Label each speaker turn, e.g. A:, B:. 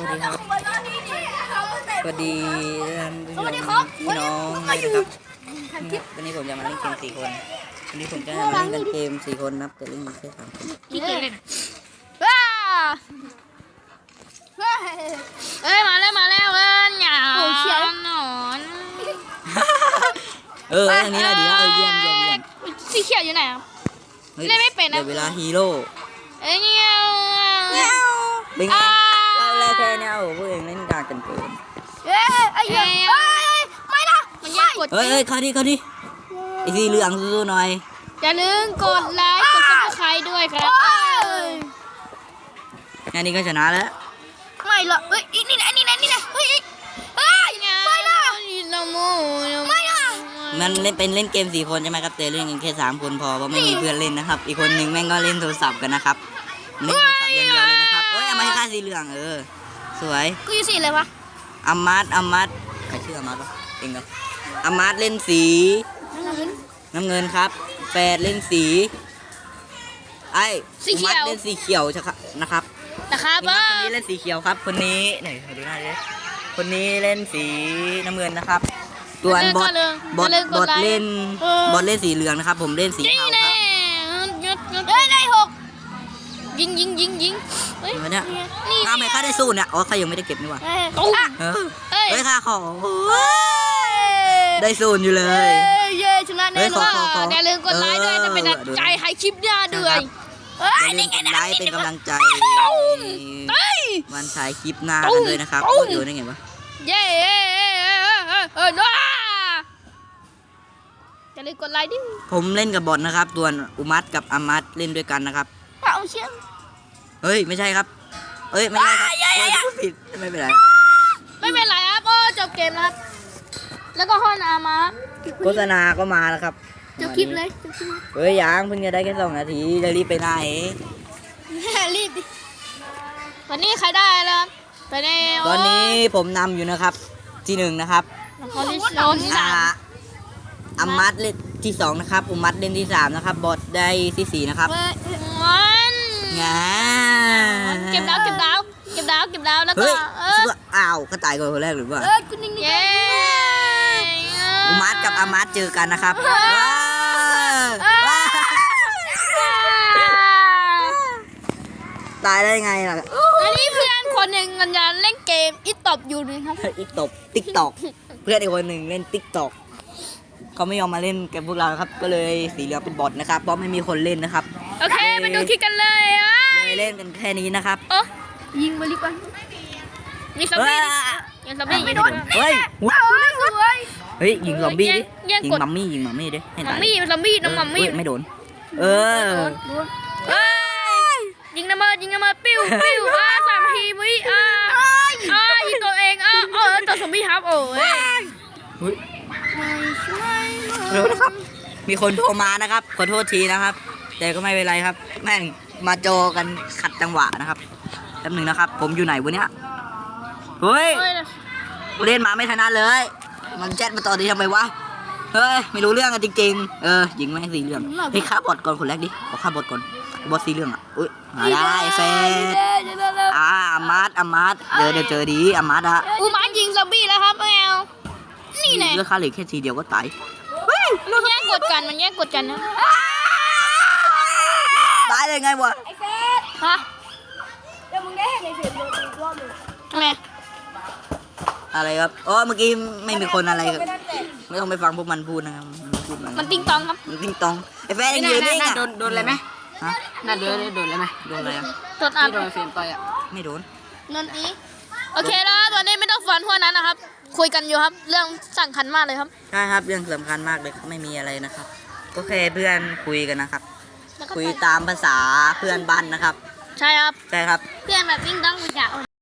A: ดีครับสวัสดีพี่น้องนะครับวันนี้ผมจะมาเล่นเกม4 คนวันนี้ผมจะมาเล่นกันเกม4 คนนับแต่เล่นแค่3 คน
B: ว้าเอ้ยมาแล้วหยาหนอน
A: ทางนี้นะดีนะเยี่ยม
B: สีเขียวอยู่ไหนครับเล่นไม่เป็นนะ
A: เดี๋ยวเวลาฮีโร่
B: เงี้ย
A: เป็นไงเราแรกแค่เนี้ยพวกเองเล่นกากกันเกิน
B: ไม่นะมันแย่กด
A: เข้าดิไอ้สีเหลืองสู้ๆหน่อย
B: อย่าลืมกดไลค์กดซับสไครต์ด้วยครับ
A: งานนี้ก็ชนะแล้ว
B: ไม่หรอกนี่นะเฮ้ยไม่ละ
A: มันเล่นเกม4 คนใช่ไหมครับแต่เล่นกันแค่3 คนพอเพราะไม่มีเพื่อนเล่นนะครับอีกคนนึงแม่งก็เล่นโทรศัพท์กันนะครับเล่นโทรศัพท์อย่างเดียวเลยนะครับเอามาให้ค่าสีเหลืองสวย
B: กูอยู่สีอะไรวะ
A: อามัดใครชื่ออามัดวะเองครับอามัดเล่นสีน้ำเงินครับแปดเล่นสี
B: สีเขียว
A: เล่นสีเขียวนะครับคนนี้เล่นสีเขียวครับคนนี้ไหนดูหน้าดิคนนี้เล่นสีน้ำเงินนะครับตัวบอทเล่นสีเหลืองนะครับผมเล่นสีเทาครับ
B: ได้6ยิง
A: เฮ้ยเนี่ยข้าไม่ค่าได้สู้เนี่ยข้ายังไม่ได้เก็บนี่หว่าข้าขอได้ศูนย์อยู่เลย
B: ชนะแน่นอนอย่าลืมกดไลค์ด้วยจะเป็นใจให้คลิปหน้าด้วย
A: อย่าลืมกดไลค์เป็นกำลังใจวันถ่ายคลิปหน้ากันเลยนะครับเดี๋ยวได้ไงวะ
B: อย่าลืมกดไลค์ดิ
A: ผมเล่นกับบอทนะครับตัวนอุมัดกับอามัดเล่นด้วยกันนะครับ
B: เอาเชี่ย
A: ไม่ใช่ครับไม่ใช่ครับผิดไม่เป็นไร
B: ครับจบเกมแล้วครับแล้วก็ห้องอามา
A: โฆษณาก็มาแล้วครับ
B: จบคลิปเลย
A: ยังเพิ่งจะได้แค่2 นาทีจะรีบไปไหน
B: รีบดิวันนี้ใครได้แล้ว
A: ตอนนี้ผมนำอยู่นะครับที่1นะครับอามัดเล่นที่2นะครับอุมัดเล่นที่3นะครับบอทได้ที่4นะครับ
B: เก็บดาวแล้วก็
A: ก็ตายก่อนคนแรกหรือว่า
B: คุณนิ่ง
A: อุมัดกับอามัดเจอกันนะครับตายได้ไงล่ะ
B: อันนี้เพื่อนคนหนึ่งมันจะเล่นเกมอีตบอยู่นะครับ
A: อีตบติ๊กตอกเพื่อนอีกคนหนึ่งเล่นติ๊กตอกเขาไม่ยอมมาเล่นกับพวกเราครับก็เลยสีเหลืองเป็นบอทนะครับเพราะไม่มีคนเล่นนะครับ
B: โอเคไปดูคลิปกันเลย
A: เล่นกันแค่นี้นะครับ
B: ยิงมาลิกว่ายิงซอมบี้ยิงโดน
A: ยิงซอมบี้ดิยิงมัมมี่ดิ
B: มัมมี่น้องมัมมี่
A: ไม่โดน
B: ยิงน้ำมันปิ้ว3 ทีวิยิงตัวเองตัวซอมบี้ครับ
A: นะครับมีคนโทรมานะครับขอโทษทีนะครับแต่ก็ไม่เป็นไรครับแม่งมาโจกันขัดจังหวะนะครับแป๊บนึงนะครับผมอยู่ไหนวะเนี่ยเล่นมาไม่ถนัดเลยมันแชทมาตอนนี้ทำไมวะไม่รู้เรื่องกันจริงๆยิงแม่งสีเหลืองฆ่าบอทก่อนคนแรกดิฆ่าบอทก่อนบอทสีเหลืองมาได้เฟสอามัดเดี๋ยวเจอดีอามัด
B: อุมัดยิงซอมบี้แล้วครับแมวนี่แหละ
A: เลือกค่าเหล็กแค่ทีเดียวก็ตาย
B: มันแย่งกดกันนะ
A: ตายเลยไงวะ
B: ไอ้เฟสเดี๋ยวมึงได้เห็นในเสียงอีกรอบนึงทำไม
A: อะไรครับเมื่อกี้ไม่มีคนอะไรครับไม่ต้องไปฟังพวกมันพูดนะครับ
B: มันติ้งตองครับ
A: มันติ้งตองไอ้แฟนยืนนิ่ง
C: โดนอะไรไหมน่าโดนอะไรไหม
A: โดนอะไร
B: โดนอัด
C: โดนเฟียนต่อย
A: ไม่โดน
B: นั่นอีโอเคแล้วตอนนี้ไม่ต้องฟันพวกนั้นนะครับคุยกันอยู่ครับเรื่องสำคัญมากเลยครับ
A: ใช่ครับเรื่องสำคัญมากเลยไม่มีอะไรนะครับก็แค่เพื่อนคุยกันนะครับคุยตามภาษาเพื่อนบ้านนะครับ
B: ใช่ครับ
A: ใช่ครับ
B: เพื่อนแบบวิ่งต้องวิ่ง